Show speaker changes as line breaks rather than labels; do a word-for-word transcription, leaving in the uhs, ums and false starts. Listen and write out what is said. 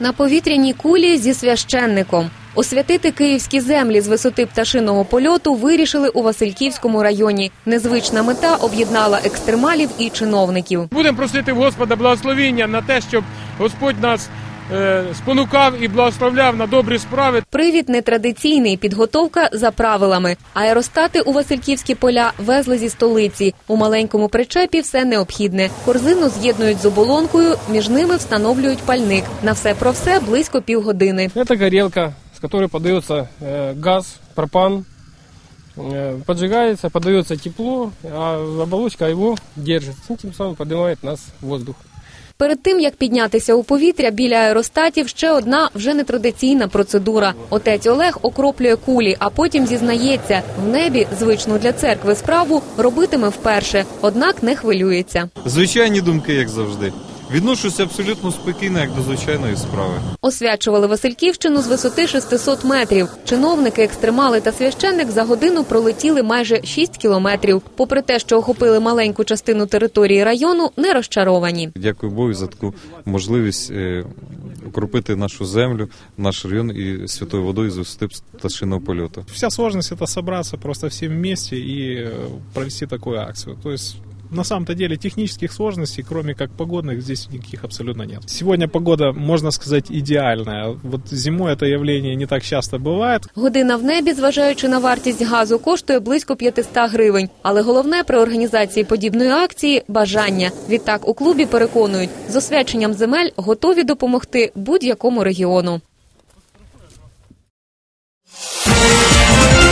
На повітряній кулі зі священником. Освятити київські землі з висоти пташиного польоту вирішили у Васильківському районі. Незвична мета об'єднала екстремалів і чиновників.
Будемо просити в Господа благословення на те, щоб Господь нас е, спонукав і благословляв на добрі справи.
Привід нетрадиційний, підготовка за правилами. Аеростати у Васильківські поля везли зі столиці. У маленькому причепі все необхідне. Корзину з'єднують з оболонкою, між ними встановлюють пальник. На все про все близько півгодини.
Це горілка, с которой подается газ, пропан, поджигается, подается тепло, а оболочка его держит. Тем самым поднимает нас в воздух.
Перед тим, як піднятися у повітря, біля аеростатів ще одна вже нетрадиційна процедура. Отець Олег окроплює кулі, а потім зізнається, в небі звичну для церкви справу робитиме вперше, однак не хвилюється.
Звичайні думки, як завжди. Відношуся абсолютно спокійно, як до звичайної справи.
Освячували Васильківщину з висоти шестисот метрів. Чиновники, екстремали та священник за годину пролетіли майже шість кілометрів. Попри те, що охопили маленьку частину території району, не розчаровані.
Дякую Богу за таку можливість укропити нашу землю, наш район і святою водою з висоти пташиного польоту.
Вся сложность – это собраться просто всем вместе и провести такую акцию. То есть на самом-то деле технических сложностей, кроме как погодных, здесь никаких абсолютно нет. Сегодня погода, можно сказать, идеальная. Вот зимой это явление не так часто бывает.
Година в небі, зважаючи на вартість газу, коштує близько п'ятсот гривень. Але головне при організації подібної акції – бажання. Відтак у клубі переконують, з освяченням земель готові допомогти будь-якому регіону.